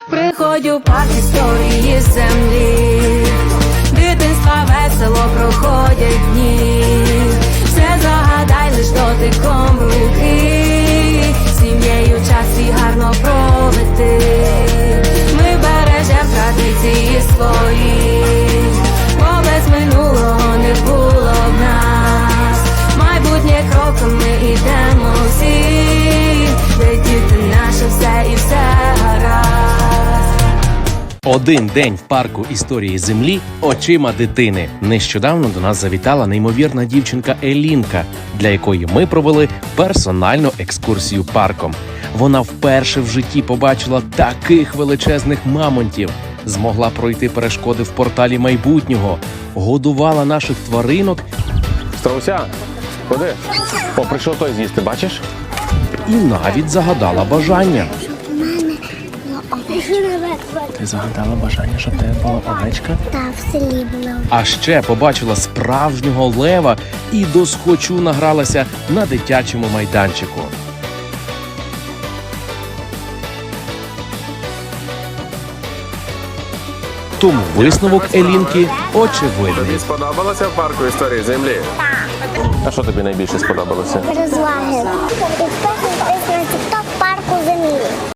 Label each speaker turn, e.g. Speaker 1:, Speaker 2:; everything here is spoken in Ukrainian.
Speaker 1: Приходжу в парк історії землі, дитинства весело проходять дні. Все загадай лиш дотиком руки, сім'єю час свій гарно проведи. Ми бережем традиції свої, бо без минулого не було в нас. Майбутнє кроком ми ідемо всі, де діти наше все і все гаразд.
Speaker 2: Один день в парку історії землі очима дитини. Нещодавно до нас завітала неймовірна дівчинка Елінка, для якої ми провели персональну екскурсію парком. Вона вперше в житті побачила таких величезних мамонтів, змогла пройти перешкоди в порталі майбутнього, годувала наших тваринок
Speaker 3: Страуся, ходи. О, прийшов той з'їсти, бачиш?
Speaker 2: і навіть загадала бажання.
Speaker 4: Ти загадала бажання, щоб в тебе була овечка?
Speaker 5: Так, в селі було.
Speaker 2: А ще побачила справжнього лева і досхочу награлася на дитячому майданчику. Тому висновок Елінки очевидний.
Speaker 3: Тобі сподобалося в парку історії землі? Так. А що тобі найбільше сподобалося?
Speaker 5: Розваги. Підписуйтесь на TikTok парку землі.